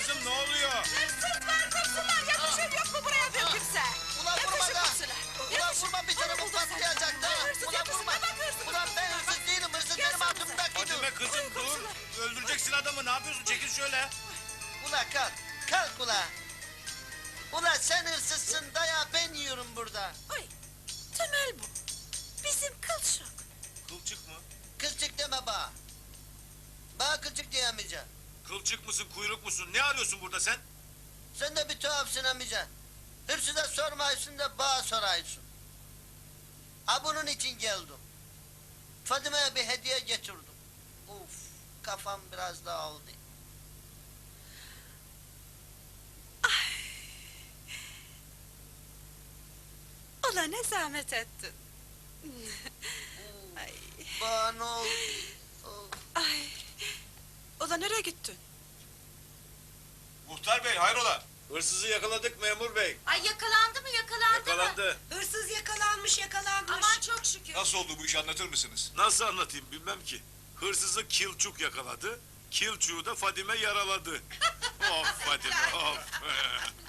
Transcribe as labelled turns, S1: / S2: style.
S1: kızım, ne oluyor?
S2: Hırsızlar, hırsızlar! Yetişin, yok mu buraya bir kimse?
S3: Ulan vurma
S2: Yetişin
S3: da!
S2: hırsızlar!
S3: Ulan
S2: Yetişin!
S3: vurma, bir canımı
S2: Buldum seni.
S3: patlayacak da!
S2: Hırsız
S3: Ulan
S2: yakışıklı,
S3: vurma!
S2: bak hırsız!
S3: Ulan ben hırsız değilim, hırsız
S2: Gel
S3: benim
S2: sen
S3: altımdakidir.
S1: Fadime kızım dur. Öldüreceksin adamı, ne yapıyorsun? Çekil şöyle.
S3: Ulan kalk, kalk ulan! Ulan sen hırsızsın, dayağı ben yiyorum burada.
S2: Oy, Temel bu. Bizim kılçık.
S1: Kılçık mı?
S3: Kılçık deme bana. Bana kılçık diyemeyeceğim.
S1: Kılçık mısın, kuyruk musun? Ne arıyorsun burada sen?
S3: Sen de bir tuhafsın amca. Hırsıza sormayısın da bana soraysın. Ha bunun için geldim. Fadime'ye bir hediye getirdim. Uf, kafam biraz dağıldı.
S2: Ulan ne zahmet ettin. Ay,
S3: Bana ne oldu? Of.
S2: ay. Ulan nereye gittin?
S1: Muhtar bey, hayrola? Hırsızı yakaladık memur bey.
S4: Ay yakalandı mı yakalandı mı?
S1: Yakalandı.
S2: Hırsız yakalanmış.
S4: Aman çok şükür.
S1: Nasıl oldu bu işi, anlatır mısınız? Nasıl anlatayım bilmem ki. Hırsızı Kilçuk yakaladı. Kilçuk'u da Fadime yaraladı. Of Fadime of.